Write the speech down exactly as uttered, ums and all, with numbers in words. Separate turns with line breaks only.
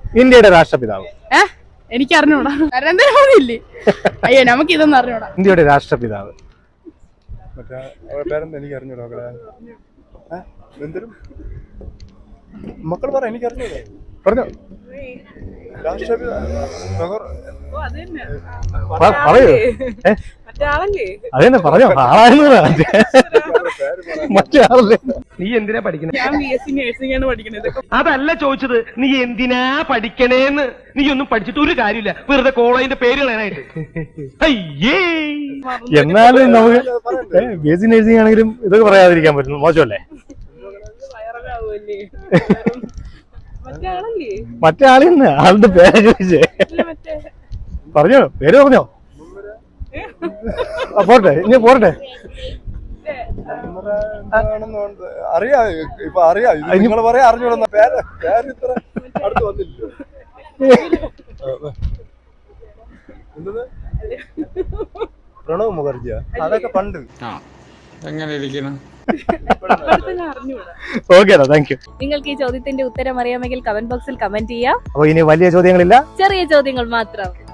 ഇന്ത്യയുടെ രാഷ്ട്രപിതാവ്.
ഏഹ് എനിക്ക് അറിഞ്ഞൂടാ. നരേന്ദ്രമോദി ഇല്ലേ? അയ്യോ നമുക്ക് ഇതൊന്നും അറിഞ്ഞൂടാ.
ഇന്ത്യയുടെ രാഷ്ട്രപിതാവ്
എനിക്ക് അറിഞ്ഞൂടാ. മക്കൾ പറ, എനിക്ക് അറിഞ്ഞൂടാ.
പറഞ്ഞോ,
പറയൂ.
അതെന്നെ പറഞ്ഞോ. ആളായിരുന്നതാ മറ്റേ ആളല്ലേ.
നീ എന്തിനാ പഠിക്കണേ?
ഞാൻ ബി എസ് സി നഴ്സിംഗ് ആണ് പഠിക്കണത്.
അതല്ല ചോദിച്ചത്, നീ എന്തിനാ പഠിക്കണേന്ന്. നീ ഒന്നും പഠിച്ചിട്ട് ഒരു കാര്യമില്ല, വെറുതെ കോളേജിന്റെ പേര് കളയാനായിട്ട്. അയ്യേ,
എന്നാലും നമുക്ക് ബി എസ് സി നഴ്സിംഗ് ആണെങ്കിലും ഇതൊക്കെ പറയാതിരിക്കാൻ പറ്റുന്നു, മോശമല്ലേ? മറ്റേ ആളെന്ന് ആളുടെ പേര് ചോദിച്ചേ. പറഞ്ഞോ, പേര് പറഞ്ഞോ. പോട്ടെ, ഇനി പോരട്ടെ.
അറിയാ ഇപ്പൊ അറിയാം. നിങ്ങൾ പറയാ അറിഞ്ഞൂടാ. പേര് പേര് ഇത്ര അടുത്ത് വന്നില്ല. പ്രണവ് മുഖർജിയാ? അതൊക്കെ പണ്ട്.
എങ്ങനെ ഇരിക്കണം?
ഓക്കേടാ, താങ്ക് യു.
നിങ്ങൾക്ക് ഈ ചോദ്യത്തിന്റെ ഉത്തരം അറിയാമെങ്കിൽ കമന്റ് ബോക്സിൽ കമന്റ് ചെയ്യാം.
അപ്പൊ ഇനി വലിയ ചോദ്യങ്ങളില്ല,
ചെറിയ ചോദ്യങ്ങൾ മാത്രം.